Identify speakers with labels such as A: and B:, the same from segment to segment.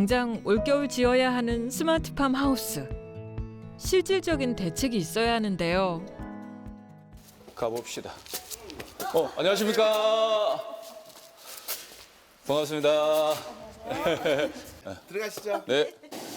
A: 당장 올겨울 지어야 하는 스마트팜 하우스. 실질적인 대책이 있어야 하는데요.
B: 가봅시다. 안녕하십니까. 반갑습니다.
C: 들어가시죠.
B: 네.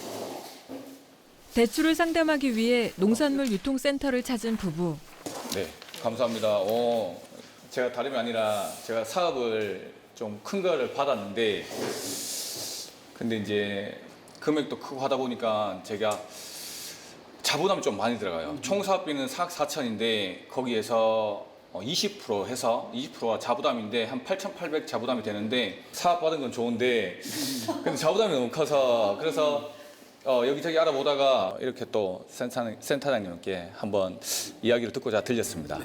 A: 대출을 상담하기 위해 농산물 유통센터를 찾은 부부.
B: 네. 감사합니다. 제가 다름이 아니라 제가 사업을 좀 큰 거를 받았는데 근데 이제 금액도 크고 하다 보니까 제가 자부담이 좀 많이 들어가요. 총 사업비는 4억 4천인데 거기에서 20% 해서 20%가 자부담인데 한 8,800 자부담이 되는데 사업 받은 건 좋은데 근데 자부담이 너무 커서 그래서 여기저기 알아보다가 이렇게 또 센터장님께 한번 이야기를 듣고 제가 들렸습니다.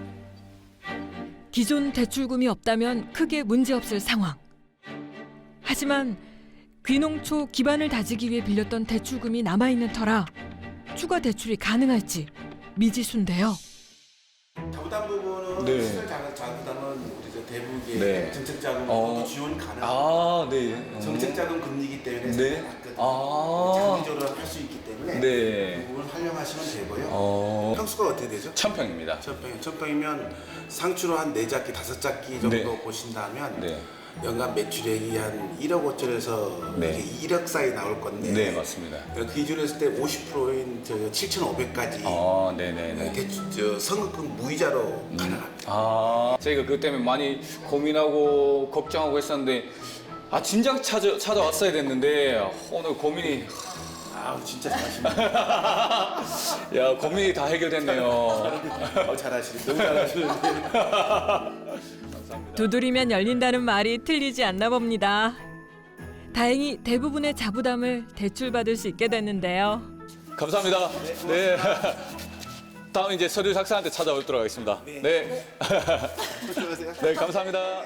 A: 기존 대출금이 없다면 크게 문제없을 상황. 하지만 귀농초 기반을 다지기 위해 빌렸던 대출금이 남아있는 터라 추가 대출이 가능할지 미지수인데요.
C: 자부담 부분은
B: 네.
C: 시설 자부담은 우리 저 대북의
B: 네.
C: 정책 자금으로도 지원 가능합니다.
B: 아, 네.
C: 정책 자금 금리이기 때문에
B: 네.
C: 장기적으로 할 수 있기 때문에
B: 네.
C: 그 부분 활용하시면 되고요. 평수가 어떻게 되죠?
B: 1,000평입니다.
C: 1,000평이면 상추로 한 4작기, 5작기 정도
B: 네.
C: 보신다면
B: 네.
C: 연간 매출액이 한 1억 5천에서
B: 네.
C: 1억 사이 나올 건데
B: 네, 맞습니다.
C: 그 기준으로 했을 때 50%인 7,500까지
B: 네네네.
C: 대출 선급금 무이자로 가능합니다.
B: 저희가 그것 때문에 많이 고민하고 걱정하고 했었는데 진작 찾아왔어야 됐는데 오늘 고민이
C: 진짜 잘하십니다.
B: 야 고민이 다 해결됐네요.
C: 잘하시네. 너무 잘하시는데.
A: 두드리면 열린다는 말이 틀리지 않나 봅니다. 다행히 대부분의 자부담을 대출받을 수 있게 됐는데요.
B: 감사합니다. 네. 다음 이제 서류 작성한테 찾아오도록 하겠습니다. 네.
C: 조심하세요.
B: 네, 감사합니다.